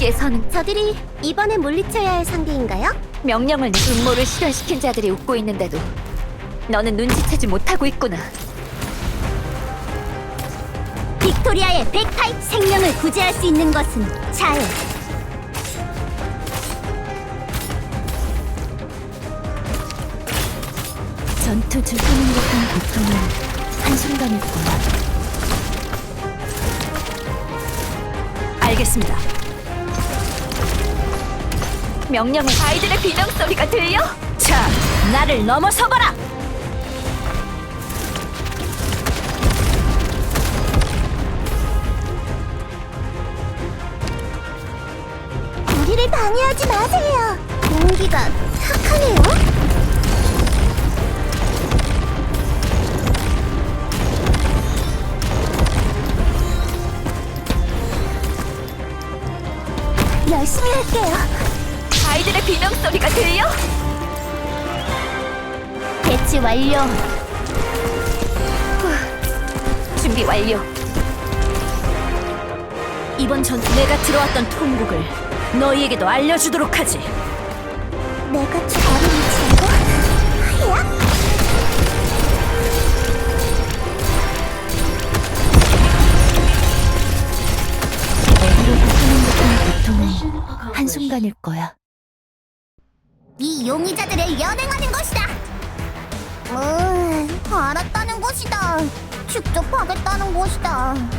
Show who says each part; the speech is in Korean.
Speaker 1: 여기에서는
Speaker 2: 저들이 이번에 물리쳐야 할 상대인가요?
Speaker 1: 명령을 음모를 실현시킨 자들이 웃고 있는데도 너는 눈치채지 못하고 있구나.
Speaker 2: 빅토리아의 백파이 생명을 구제할 수 있는 것은 자유.
Speaker 1: 전투 즐기는 듯한 고통은 한순간일 거야. 알겠습니다. 명령은 아이들의 비명 소리가 들려? 자, 나를 넘어서거라!
Speaker 2: 우리를 방해하지 마세요. 공기가 탁하네요. 열심히 할게요.
Speaker 1: 아이들의 비명 소리가 들려?
Speaker 2: 배치 완료.
Speaker 1: 준비 완료. 이번 전투 내가 들어왔던 통곡을 너희에게도 알려주도록 하지.
Speaker 2: 내가 저를 미치고 하야?
Speaker 1: 어디로 고통인 듯한 고통은 한순간일 거야.
Speaker 2: 이 용의자들을 연행하는 것이다. 알았다는 것이다. 직접 하겠다는 것이다.